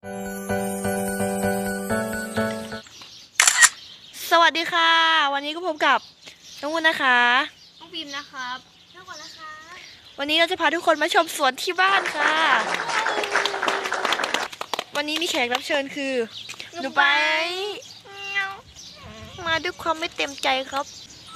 สวัสดีค่ะวันนี้ก็พบกับน้องวุ้นนะคะน้องพิมนะครับน้องก่อนนะคะวันนี้เราจะพาทุกคนมาชมสวนที่บ้านค่ะวันนี้มีแขกรับเชิญคือหนูไปมาด้วยความไม่เต็มใจครับ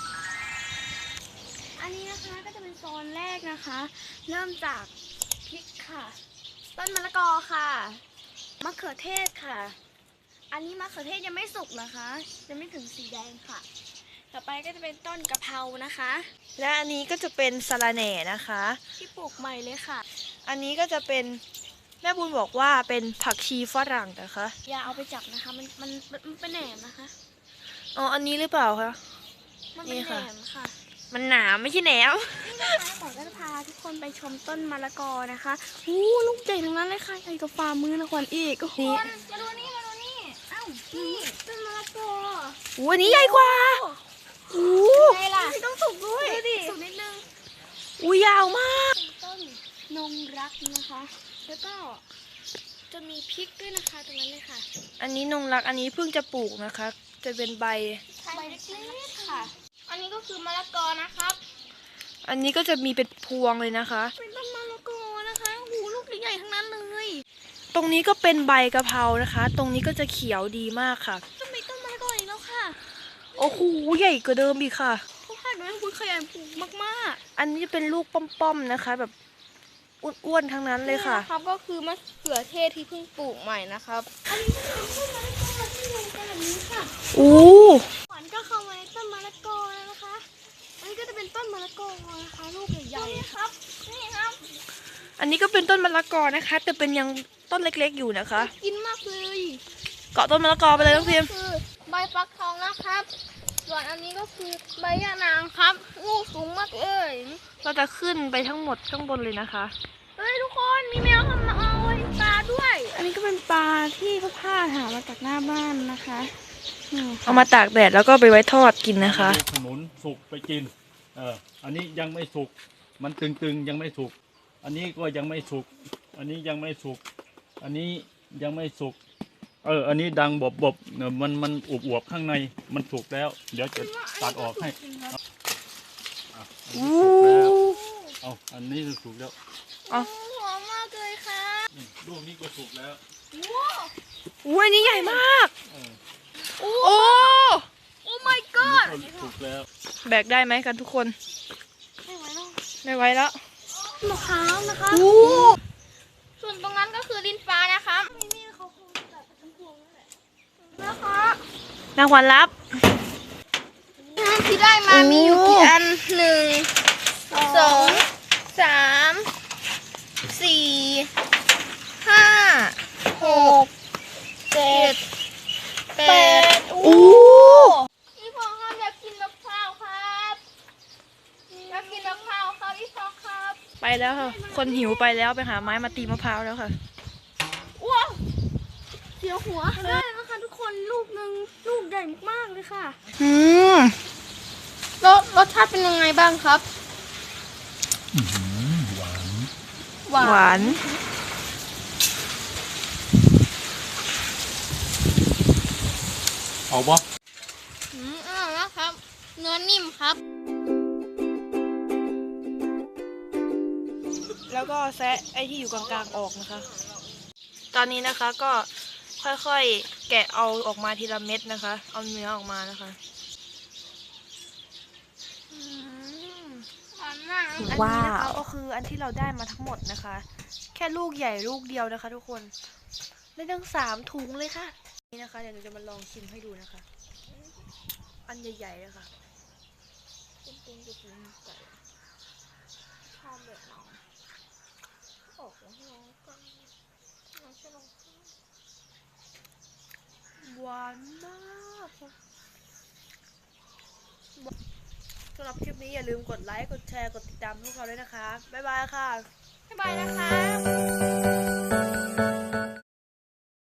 อันนี้นะคะก็จะเป็นโซนแรกนะคะเริ่มจากพริกค่ะต้นมะละกอค่ะมะเขือเทศค่ะอันนี้มะเขือเทศยังไม่สุกนะคะยังไม่ถึงสีแดงค่ะต่อไปก็จะเป็นต้นกะเพรานะคะและอันนี้ก็จะเป็นสะระแหน่นะคะที่ปลูกใหม่เลยค่ะอันนี้ก็จะเป็นแม่บุญบอกว่าเป็นผักชีฝรั่งนะคะอย่าเอาไปจับนะคะมันเป็นแหนมนะคะอ๋ออันนี้หรือเปล่าคะมันเป็นแหนมค่ะมันหนาไม่ใช่แหนมนี่นะคะผมก็จะพาทุกคนไปชมต้นมะละกอนะคะลูกใหญ่ทั้งนั้นเลยค่ะใหญ่กว่าฝ่ามือนะขวัญอีกนี่มาดูนี่เอ้านี่ต้นมะละกออันนี้ใหญ่กว่าไงล่ะต้องสุกด้วยสุกนิดนึงยาวมากต้นนงรักนะคะแล้วก็จะมีพริกด้วยนะคะตรงนั้นเลยค่ะอันนี้นงรักอันนี้เพิ่งจะปลูกนะคะจะเป็นใบเล็กๆค่ะอันนี้ก็คือมะละกอนะครับอันนี้ก็จะมีเป็นพวงเลยนะคะเป็นต้นมะละกอนะคะลูกใหญ่ๆทั้งนั้นเลยตรงนี้ก็เป็นใบกะเพรานะคะตรงนี้ก็จะเขียวดีมากค่ะจะมีต้นมะละกออีกแล้วค่ะโอ้โหใหญ่กว่าเดิมอีกค่ะเขาคาดว่าคุณขยันปลูกมากๆอันนี้จะเป็นลูกป้อมๆนะคะแบบอ้วนๆทั้งนั้นเลยค่ะครับก็คือมะเขือเทศที่เพิ่งปลูกใหม่นะครับอันนี้ก็เป็นต้นมะละกอที่ลงไปแบบนี้ค่ะขวัญก็เข้ามาในต้นมะละกอนะคะอันนี้ก็จะเป็นต้นมะละกอนะคะลูกใหญ่ๆครับนี่ครับอันนี้ก็เป็นต้นมะละกอนะคะแต่เป็นยังต้นเล็กๆอยู่นะคะกินมากเลยเกาะต้นมะละกอไปเลยน้องพิมคือใบฟักทองนะครับส่วนอันนี้ก็คือใบยะนางครับลูกสูงมากเลยเราจะขึ้นไปทั้งหมดข้างบนเลยนะคะเฮ้ยทุกคนมีแมวทำมาเอาปลาด้วยอันนี้ก็เป็นปลาที่เขาพาหามาจากหน้าบ้านนะคะเอามาตากแดดแล้วก็ไปไว้ทอดกินนะคะขนุนสุกไปกินอันนี้ยังไม่สุกมันตึงๆยังไม่สุกอันนี้ก็ยังไม่สุกอันนี้ยังไม่สุกอันนี้ยังไม่สุกอันนี้ดังบบมันอวบๆข้างในมันสุกแล้วเดี๋ยวจะตัดออกให้อันนี้สุกแล้วหอมมากเลยค่ะลูกนี้ก็สุกแล้วอันนี้ใหญ่มากโอ้ my god สุกแล้วแบกได้ไหมกันทุกคนไม่ไหวแล้วมะพร้าวนะคะส่วนตรงนั้นก็คือลิ้นฟ้านะคะนี่เขาคงจับทั้งพวงนั่นแหละนะคะนางขวัญรับที่ได้มามีอยู่กี่อัน1 2 3 4 5 6 7 8พี่พอครับอยากกินมะพร้าวครับอยากกินมะพร้าวครับพี่พอครับไปแล้วค่ะคนหิวไปแล้วไปหาไม้มาตีมะพร้าวแล้วค่ะว้าวเสียวหัวได้นะคะทุกคนลูกหนึ่งลูกใหญ่มากเลยค่ะรสชาติเป็นยังไงบ้างครับหวานเอาปะอร่อยมากครับเนื้อนิ่มครับแล้วก็แซะไอ้ที่อยู่กลางๆออกนะคะตอนนี้นะคะก็ค่อยๆแกะเอาออกมาทีละเม็ดนะคะเอาเนื้อออกมานะคะอันนี้นะคะก็คืออันที่เราได้มาทั้งหมดนะคะแค่ลูกใหญ่ลูกเดียวนะคะทุกคนได้ตั้ง3 ถุงเลยค่ะนี่นะคะเดี๋ยวหนูจะมาลองชิมให้ดูนะคะอันใหญ่ๆเลยค่ะชอบแบบน้องออกแล้วน้องก็น้องจะลงหวานมากสำหรับคลิปนี้อย่าลืมกดไลค์กดแชร์กดติดตามพวกเราด้วยนะคะบ๊ายบายค่ะบ๊ายบายนะคะ